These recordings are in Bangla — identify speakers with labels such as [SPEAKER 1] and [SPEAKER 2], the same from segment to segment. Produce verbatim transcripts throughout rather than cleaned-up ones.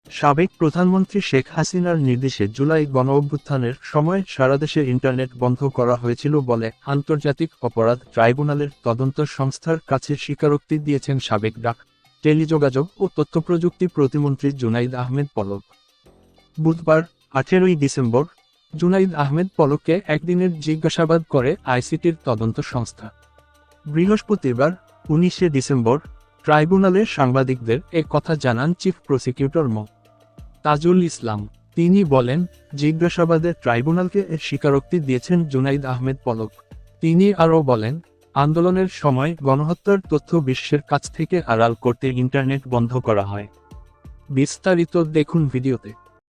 [SPEAKER 1] সাবেক প্রধানমন্ত্রী শেখ হাসিনার নির্দেশে জুলাই গণঅভ্যুত্থানের সময় সারা দেশে ইন্টারনেট বন্ধ করা হয়েছিল বলে আন্তর্জাতিক অপরাধ ট্রাইব্যুনালের তদন্ত সংস্থার কাছে স্বীকারোক্তি দিয়েছেন সাবেক ডাক, টেলিযোগাযোগ ও তথ্যপ্রযুক্তি প্রতিমন্ত্রী জুনাইদ আহমেদ পলক। বুধবার আঠেরোই ডিসেম্বর জুনাইদ আহমেদ পলককে একদিনের জিজ্ঞাসাবাদ করে আইসিটির তদন্ত সংস্থা। বৃহস্পতিবার উনিশে ডিসেম্বর ট্রাইব্যুনালের সাংবাদিকদের এ কথা জানান চিফ প্রসিকিউটর মো তাজুল ইসলাম। তিনি বলেন, জিজ্ঞাসাবাদে ট্রাইব্যুনালকে এর স্বীকারোক্তি দিয়েছেন জুনাইদ আহমেদ পলক। তিনি আরও বলেন, আন্দোলনের সময় গণহত্যার তথ্য বিশ্বের কাছ থেকে আড়াল করতে ইন্টারনেট বন্ধ করা হয়। বিস্তারিত দেখুন ভিডিওতে।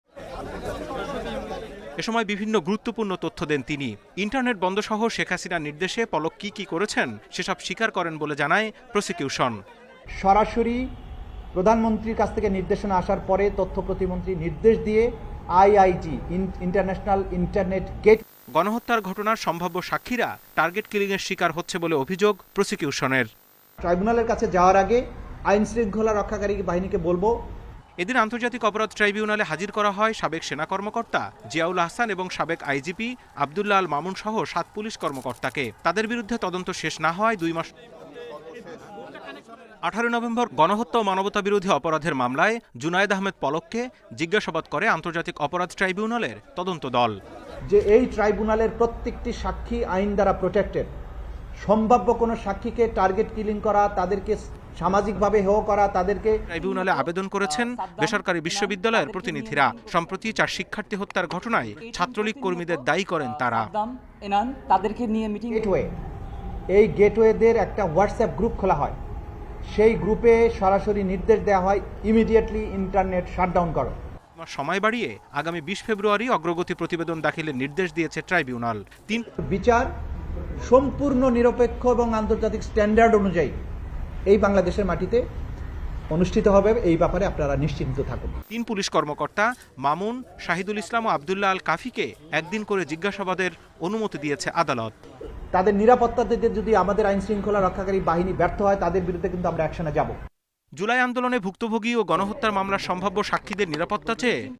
[SPEAKER 2] এ সময় বিভিন্ন গুরুত্বপূর্ণ তথ্য দেন তিনি। ইন্টারনেট বন্ধ সহ শেখ হাসিনার নির্দেশে পলক কি কি করেছেন সেসব স্বীকার করেন বলে জানায় প্রসিকিউশন।
[SPEAKER 3] সরাসরি প্রধানমন্ত্রীর কাছ থেকে নির্দেশনা আসার পরে তথ্য প্রতিমন্ত্রী নির্দেশ দিয়ে আইআইজি ইন্টারন্যাশনাল ইন্টারনেট গেট
[SPEAKER 2] গণহত্যার ঘটনার সম্ভাব্য সাক্ষীরা টার্গেট কিলিংয়ের শিকার হচ্ছে বলে অভিযোগ প্রসিকিউশনের।
[SPEAKER 3] ট্রাইব্যুনালের কাছে যাওয়ার আগে আইন শৃঙ্খলা রক্ষাকারী বাহিনীকে বলবো।
[SPEAKER 2] এদিন আন্তর্জাতিক অপরাধ ট্রাইব্যুনালে হাজির করা হয় সাবেক সেনা কর্মকর্তা জিয়াউল আহসান এবং সাবেক আইজিপি আবদুল্লাহ আল মামুন সহ সাত পুলিশ কর্মকর্তাকে। তাদের বিরুদ্ধে তদন্ত শেষ না হয় দুই মাস আঠারো নভেম্বর গণহত্যা ও মানবতাবিরোধী অপরাধের মামলায় জুনায়েদ আহমেদ পলককে জিজ্ঞাসাবাদ করে আন্তর্জাতিক অপরাধ ট্রাইব্যুনালের তদন্ত দল।
[SPEAKER 3] যে এই ট্রাইব্যুনালের প্রত্যেকটি সাক্ষী আইন দ্বারা প্রোটেক্টেড। সম্ভাব্য কোনো সাক্ষীকে টার্গেট কিলিং করা, তাদেরকে সামাজিকভাবে হেয় করা, তাদেরকে
[SPEAKER 2] ট্রাইব্যুনালে আবেদন করেছেন বেসরকারি বিশ্ববিদ্যালয়ের প্রতিনিধিরা। সম্প্রতি চার শিক্ষার্থী হত্যার ঘটনায় ছাত্রলীগ কর্মীদের দায়ী করেন তারা।
[SPEAKER 4] তাদেরকে নিয়ে মিটিং
[SPEAKER 3] গেটওয়ে, এই গেটওয়েদের একটা হোয়াটসঅ্যাপ গ্রুপ খোলা হয়। সেই গ্রুপে সরাসরি নির্দেশ দেওয়া হয় ইমিডিয়েটলি ইন্টারনেট শাটডাউন করো।
[SPEAKER 2] সময় বাড়িয়ে আগামী বিশ ফেব্রুয়ারি অগ্রগতি প্রতিবেদন দাখিলের নির্দেশ দিয়েছে ট্রাইব্যুনাল। তিন
[SPEAKER 3] বিচার সম্পূর্ণ নিরপেক্ষ এবং আন্তর্জাতিক স্ট্যান্ডার্ড অনুযায়ী এই বাংলাদেশের মাটিতে অনুষ্ঠিত হবে, এই ব্যাপারে আপনারা নিশ্চিন্ত থাকুন।
[SPEAKER 2] তিন পুলিশ কর্মকর্তা মামুন, শাহিদুল ইসলাম ও আবদুল্লাহ আল কাফিকে একদিন করে জিজ্ঞাসাবাদের অনুমতি দিয়েছে আদালত।
[SPEAKER 3] তাদের নিরাপত্তা দিতে যদি আমাদের আইন শৃঙ্খলা রক্ষাকারী বাহিনী ব্যর্থ হয়, তাদের বিরুদ্ধে কিন্তু আমরা অ্যাকশনে যাব।
[SPEAKER 2] জুলাই আন্দোলনে ভুক্তভোগী ও গণহত্যার মামলার সম্ভাব্য সাক্ষীদের নিরাপত্তা চেয়ে